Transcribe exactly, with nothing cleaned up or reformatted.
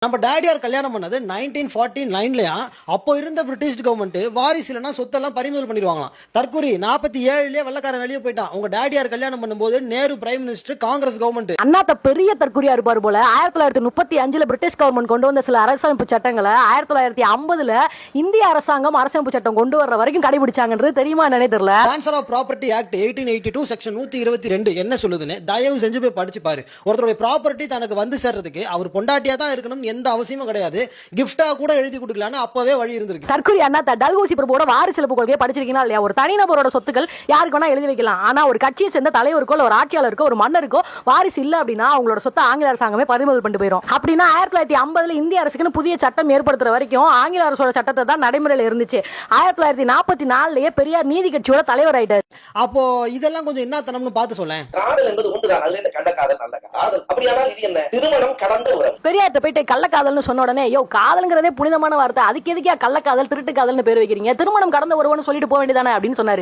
நம்ம டேடியார் கல்யாணம் பண்ணது நைன்டீன் ஃபார்ட்டி நைன்லயா அப்போ இருந்த பிரிட்டிஷ் கவர்மெண்ட் வாரிசு இல்லைன்னா சொத்தெல்லாம் பறிமுதல் பண்ணிடுவாங்களாம். தற்கூரி நாற்பத்தி ஏழுலயே வெள்ளக்காரன் வெளியே போயிட்டான். உங்க டேடியார் கல்யாணம் பண்ணும்போது Nehru prime minister, Congress government. அண்ணாத்த பெரிய தற்கூரியா இருப்பாரு போல. ஆயிரத்தி தொள்ளாயிரத்தி முப்பத்தி அஞ்சுல பிரிட்டிஷ் கவர்மெண்ட் கொண்டு வந்த சில அரசமைப்பு சட்டங்களை ஆயிரத்தி தொள்ளாயிரத்தி ஐம்பதுல இந்திய அரசாங்கம் அரசமைப்பு சட்டம் கொண்டு வர்ற வரைக்கும் கடைபிடிச்சாங்கன்றது தெரியுமா என்னன்னே தெரியல. Transfer of property act eighteen eighty two section நூத்தி இருபத்தி ரெண்டு என்ன சொல்லுதுன்னு தயவு செஞ்சு போய் படிச்சு பாரு. ஒருத்தருடைய ப்ராப்பர்ட்டி தனக்கு வந்து சேர்றதுக்கு அவர் பொண்டாட்டியா தான் இருக்கணும், எந்த அவசியமும் கிடையாது. கிஃப்டா கூட எழுதி கொடுக்கலாம்னு அப்பவே வழி இருந்திருக்கு. தற்கூரி அண்ணாத்த டல்ஹௌசி பிரபுவோட வாரிசிலப்பு கொள்கையை படிச்சிருக்கீங்களா இல்லையா? ஒரு தனிநபரோட சொத்துக்கள் யாருக்கு வேணா எழுதி வைக்கலாம். ஆனா ஒரு கட்சியை சேர்ந்த தலைவருக்கோ ஒரு ஆட்சியாளருக்கோ ஒரு மன்னருக்கோ வாரிசு இல்ல அப்படின்னா அவங்களோட சொத்தை ஆங்கில அரசாங்கமே பறிமுதல் பண்ணிட்டு போயிடும். அப்படின்னா ஆயிரத்தி தொள்ளாயிரத்தி ஐம்பதுல இந்திய அரசுக்குன்னு புதிய சட்டம் ஏற்படுத்துற வரைக்கும் ஆங்கில அரசோட சட்டத்தை தான் நடைமுறையில் இருந்துச்சு. ஆயிரத்தி தொள்ளாயிரத்தி நாற்பத்தி நாலுலயே பெரியார் நீதி கட்சியோட தலைவர் ஆயிட்டார். அப்போ இதெல்லாம் கொஞ்சம் என்ன தனம்னு பார்த்து சொல்லேன். காதல் என்பது ஒன்றுதான், அதுல என்ன கள்ளக்காதல் நல்ல காதல். அப்படியானால் இது என்ன? திருமணம் கடந்த உறவு. பெரியார்ட்ட போயிட்டு கள்ளக்காதல்னு சொன்ன உடனே யோ காதல்ங்கிறதே புனிதமான வார்த்தை, அதுக்கு எதுக்கே கள்ளக்காதல் திருட்டு காதல்னு பேர் வைக்கிறீங்க, திருமணம் கடந்த உறவுன்னு சொல்லிட்டு போக வேண்டியதானே அப்படின்னு சொன்னாரு.